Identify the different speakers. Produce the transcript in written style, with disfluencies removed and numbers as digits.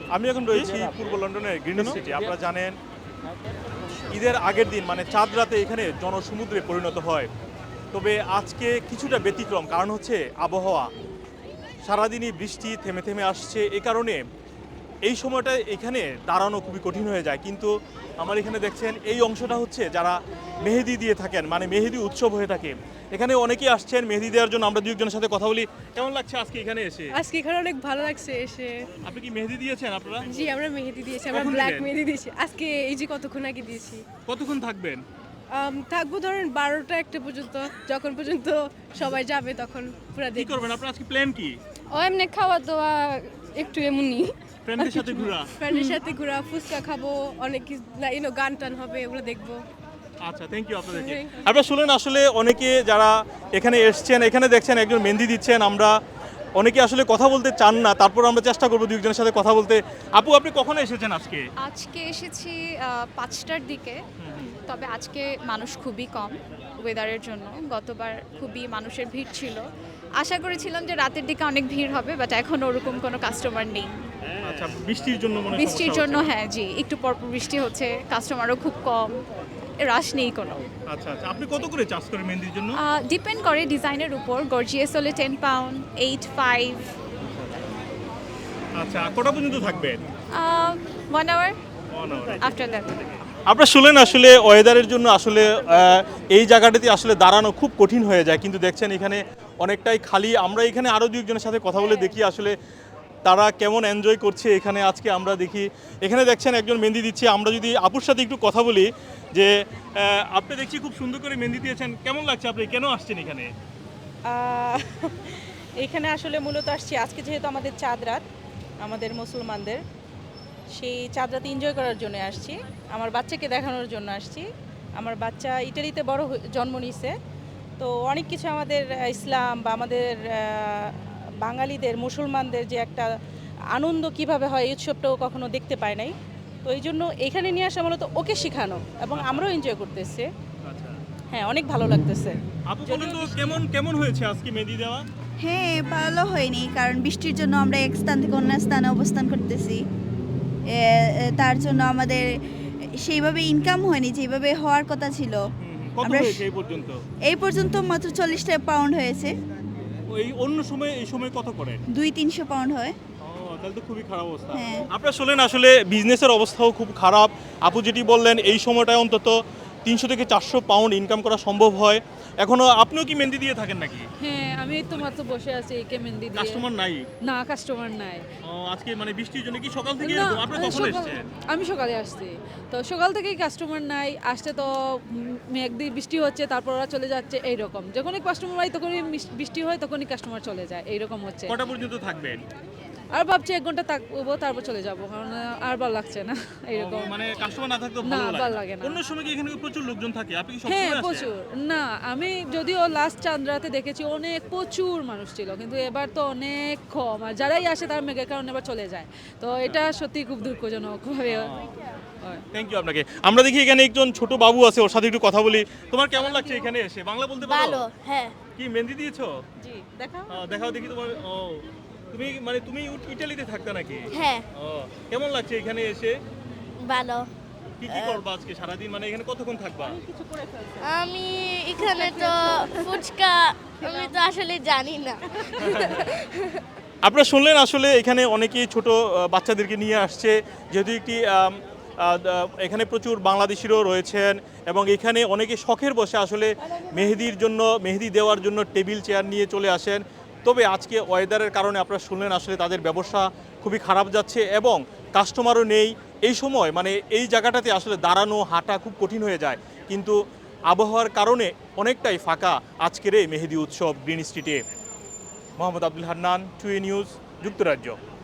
Speaker 1: আমি এখন রয়েছি পূর্ব লন্ডনের গ্রিন সিটি। আপনারা জানেন ঈদের আগের দিন মানে চাঁদ রাতে এখানে জনসমুদ্রে পরিণত হয়। তবে আজকে কিছুটা ব্যতিক্রম, কারণ হচ্ছে আবহাওয়া। সারাদিনই বৃষ্টি থেমে থেমে আসছে, এ কারণে এই সময়টা এখানে দাঁড়ানো খুবই কঠিন হয়ে যায়। কিন্তু আমার এখানে দেখছেন এই অংশটা হচ্ছে যারা মেহেদি দিয়ে থাকেন, মানে মেহেদি উৎসব হয়ে থাকে। এখানে অনেকেই আসছেন মেহেদি দেওয়ার জন্য। আমরা দুজনের সাথে কথা বলি। কেমন লাগছে আজকে এখানে এসে?
Speaker 2: আজকে এখানে অনেক ভালো লাগছে এসে।
Speaker 1: আপনি কি মেহেদি দিয়েছেন আপনারা?
Speaker 2: জি, আমরা মেহেদি দিয়েছি, আমরা
Speaker 1: কখন
Speaker 2: ব্ল্যাক
Speaker 1: দিলেন?
Speaker 2: মেহেদি দিয়েছি আজকে, এই যে কতক্ষণ আগে দিয়েছি।
Speaker 1: কতক্ষণ থাকবেন?
Speaker 2: থাকবো ধরেন 12টা 1টা পর্যন্ত, যখন পর্যন্ত সবাই যাবে তখন পুরো
Speaker 1: কি
Speaker 2: দেখব।
Speaker 1: করবেন আপনারা? আজকে প্ল্যান কি?
Speaker 3: ও এমনি খাওয়া দাওয়া একটু এমনি।
Speaker 1: ফ্রেন্ডদের সাথে ঘোরা?
Speaker 2: ফ্রেন্ডের সাথে ঘোরা, ফুচকা খাবো, অনেক কিছু গান টান হবে, ওগুলো দেখবো।
Speaker 1: আচ্ছা, থ্যাংক ইউ আপনাদেরকে। আপনারা শুনলেন আসলে অনেকে যারা এখানে এসছেন, এখানে দেখছেন একজন মেহেদি দিচ্ছেন। আমরা অনেকে আসলে কথা বলতে চান না, তারপর আমরা চেষ্টা করবো দুজনের সাথে কথা বলতে। আপু, আপনি কখন এসেছেন আজকে?
Speaker 3: আজকে এসেছি 5টার দিকে, তবে আজকে মানুষ খুবই কম ওয়েদারের জন্য। গতবার খুবই মানুষের ভিড় ছিল, আশা করেছিলাম যে রাতের দিকে অনেক ভিড় হবে, বাট এখন ওরকম কোনো কাস্টমার নেই।
Speaker 1: আচ্ছা, বৃষ্টির জন্য মনে হয়
Speaker 3: বৃষ্টির
Speaker 1: সমস্যা
Speaker 3: জন্য,
Speaker 1: হচ্ছে।
Speaker 3: হ্যাঁ জি, একটু পরপর বৃষ্টি হচ্ছে, কাস্টমারও খুব কম, রাশ নেই কোনো।
Speaker 1: আচ্ছা আচ্ছা, আপনি কত করে চার্জ করেন মেহেদির জন্য?
Speaker 3: ডিপেন্ড করে ডিজাইনের উপর। গর্জিয়াস হলে 10 পাউন্ড, 8, 5,
Speaker 1: আচ্ছা, কটা পর্যন্ত থাকবেন?
Speaker 3: 1 hour
Speaker 1: 1 hour।
Speaker 3: After that.
Speaker 1: আপনারা শুনলেন আসলে ওয়েদারের জন্য আসলে এই জায়গাটাতে আসলে দাঁড়ানো খুব কঠিন হয়ে যায়। কিন্তু দেখছেন এখানে অনেকটাই খালি। আমরা এখানে আরও দুজনের সাথে কথা বলে দেখি আসলে তারা কেমন এনজয় করছে এখানে। আজকে আমরা দেখি এখানে দেখছেন একজন মেহেদি দিচ্ছে। আমরা যদি আপুর সাথে একটু কথা বলি যে আপনি দেখছি খুব সুন্দর করে মেহেদি দিয়েছেন, কেমন লাগছে? আপনি কেন আসছেন এখানে?
Speaker 4: এখানে আসলে মূলত আসছি আজকে যেহেতু আমাদের চাঁদ রাত, আমাদের মুসলমানদের সেই চাঁদ রাত এনজয় করার জন্য আসছি। আমার বাচ্চাকে দেখানোর জন্য আসছি। আমার বাচ্চা ইটালিতে জন্ম নিয়েছে, তো অনেক কিছু আমাদের ইসলাম বা আমাদের বাঙালিদের মুসলমানদের যে একটা আনন্দ কিভাবে হয় এই উৎসবটাও কখনো দেখতে পায় নাই। তো এই জন্য এখানে নিয়ে আসা মূলত ওকে শেখানো, এবং আমরাও এনজয় করতেছি।
Speaker 1: আচ্ছা
Speaker 4: হ্যাঁ, অনেক ভালো লাগতেছে।
Speaker 1: আপু, বলেন তো কেমন কেমন হয়েছে আজকে মেহেদি দেওয়া?
Speaker 5: হ্যাঁ, ভালো হয়নি, কারণ বৃষ্টির জন্য আমরা এক স্থান থেকে অন্য স্থানে অবস্থান করতেছি। তার জন্য আমাদের সেইভাবে ইনকাম হয়নি যেভাবে হওয়ার কথা ছিল।
Speaker 1: কত
Speaker 5: আমরা
Speaker 1: হয়েছে এই পর্যন্ত?
Speaker 5: এই পর্যন্ত মাত্র 40টা পাউন্ড হয়েছে।
Speaker 1: এই অন্য সময় এই সময় কত করেন?
Speaker 5: 200-300 পাউন্ড হয়।
Speaker 1: তাহলে তো খুবই খারাপ অবস্থা।
Speaker 5: হ্যাঁ।
Speaker 1: আপনারা শুনলেন আসলে বিজনেসের অবস্থাও খুব খারাপ। আপু যেটি বললেন এই সময়টায় অন্তত 300 থেকে 400 পাউন্ড ইনকাম করা সম্ভব হয়। এখনো আপনিও কি মেহেদি দিয়ে থাকেন নাকি?
Speaker 6: হ্যাঁ, আমি এই তো মাত্র বসে আছি একে মেহেদি দিয়ে।
Speaker 1: কাস্টমার নাই?
Speaker 6: না, কাস্টমার নাই।
Speaker 1: আজকে মানে বৃষ্টির জন্য কি সকাল থেকে
Speaker 6: না,
Speaker 1: এরকম? আপনি কখন এসেছেন?
Speaker 6: আমি সকালে আসছি, তো সকাল থেকেই কাস্টমার নাই। আসতে তো একদিন বৃষ্টি হচ্ছে, তারপর ওরা চলে যাচ্ছে, এইরকম। যখনই কাস্টমার হয় তখনই বৃষ্টি হয়, তখনই কাস্টমার চলে যায়, এইরকম হচ্ছে।
Speaker 1: কটা পর্যন্ত থাকবেন?
Speaker 6: আর ভাবছি 1 ঘন্টা থাকবো, তারপর চলে যাবো, কারণ আর ভালো লাগছে না এইরকম।
Speaker 1: মানে কাস্টমার না থাকলে
Speaker 6: না,
Speaker 1: ভালো
Speaker 6: ভালো লাগে না।
Speaker 1: অন্য সময় কি এখানে প্রচুর লোকজন থাকে? আপনি কি
Speaker 6: হ্যাঁ,
Speaker 1: সবসময় আসেন?
Speaker 6: প্রচুর। না, আমি যদিও লাস্ট চাঁদরাতে দেখেছি অনেক প্রচুর মানুষ ছিল, কিন্তু এবার তো অনেক কম। আর যারাই আসে তার মেঘের কারণে এবার চলে যায়, তো এটা সত্যি খুব দুঃখজনক ভাবে হয়।
Speaker 1: থ্যাংক ইউ আপনাকে। আমরা দেখি এখানে একজন ছোট বাবু আছে, ওর সাথে একটু কথা বলি। তোমার কেমন লাগছে এখানে এসে? বাংলা বলতে পারো?
Speaker 7: ভালো, হ্যাঁ।
Speaker 1: কি মেহেদি দিয়েছো?
Speaker 4: জি, দেখাও।
Speaker 1: দেখাও দেখি তোমার। তুমি ইটালিতে থাকতে নাকি?
Speaker 7: হ্যাঁ,
Speaker 1: কেমন লাগছে এখানে এসে?
Speaker 7: ভালো।
Speaker 1: কি কি করবা আজকে সারাদিন? মানে এখানে কতক্ষণ থাকবা?
Speaker 7: আমি এখানে তো ফুচকা আমি তো আসলে জানি না।
Speaker 1: আপনারা শুনলেন আসলে এখানে অনেকেই ছোট বাচ্চাদেরকে নিয়ে আসছে, যেহেতু একটি এখানে প্রচুর বাংলাদেশিরও রয়েছেন, এবং এখানে অনেকে শখের বসে আসলে মেহেদির জন্য, মেহেদি দেওয়ার জন্য টেবিল চেয়ার নিয়ে চলে আসেন। তবে আজকে ওয়েদারের কারণে আপনারা শুনলেন আসলে তাদের ব্যবসা খুবই খারাপ যাচ্ছে এবং কাস্টমারও নেই। এই সময় মানে এই জায়গাটাতে আসলে দাঁড়ানো হাঁটা খুব কঠিন হয়ে যায়। কিন্তু আবহাওয়ার কারণে অনেকটাই ফাঁকা আজকের এই মেহেদি উৎসব গ্রিন স্ট্রিটে। মোহাম্মদ আব্দুল হান্নান, 2A নিউজ, যুক্তরাজ্য।